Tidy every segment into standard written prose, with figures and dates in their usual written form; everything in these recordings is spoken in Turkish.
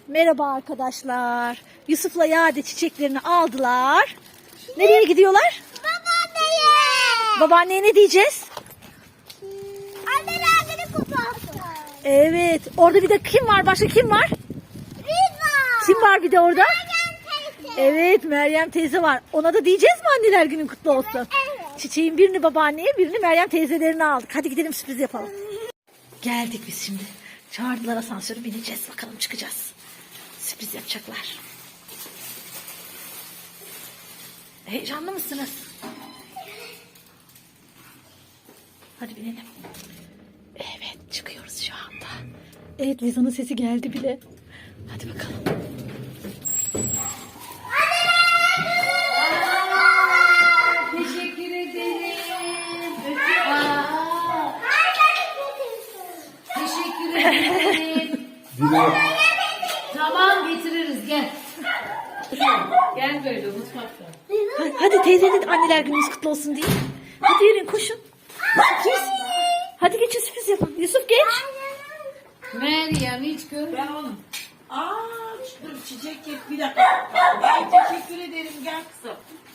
Merhaba arkadaşlar. Yusuf'la Yade çiçeklerini aldılar. Nereye gidiyorlar? Babaanneye. Babaanneye ne diyeceğiz? Anneler günü kutlu olsun. Evet. Orada bir de kim var? Başka kim var? Riva. Kim var bir de orada? Meryem teyze. Evet, Meryem teyze var. Ona da diyeceğiz mi anneler günün kutlu olsun? Evet. Çiçeğin birini babaanneye, birini Meryem teyzelerine aldık. Hadi gidelim sürpriz yapalım. Geldik biz şimdi. Çağırdılar, asansöre bineceğiz. Bakalım çıkacağız. Sürpriz yapacaklar. Heyecanlı mısınız? Hadi binelim. Evet, çıkıyoruz şu anda. Evet, Liza'nın sesi geldi bile. Hadi bakalım. Teşekkür ederim. Teşekkür ederim. Tamam getiririz gel. Gel böyle mutfakta. Hadi teyzenin anneler gününüz kutlu olsun diye. Hadi yürüyün, koşun. Hadi geçin, sürpriz yapın. Yusuf geç. Meryem hiç görmüyor. Ben onu. Dur çiçek yap bir dakika. Ay teşekkür ederim gel kızım.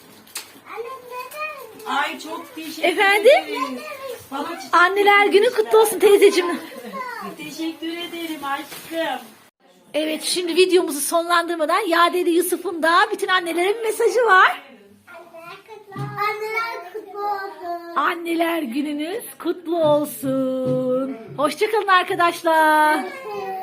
Ay çok teşekkür Efendim? ederim. Bana çiçek Anneler günü kutlu olsun teyzeciğim. teşekkür ederim aşkım. Evet, şimdi videomuzu sonlandırmadan Yadeli Yusuf'un da bütün annelere bir mesajı var. Anneler kutlu olsun. Anneler gününüz kutlu olsun. Hoşça kalın arkadaşlar. Evet.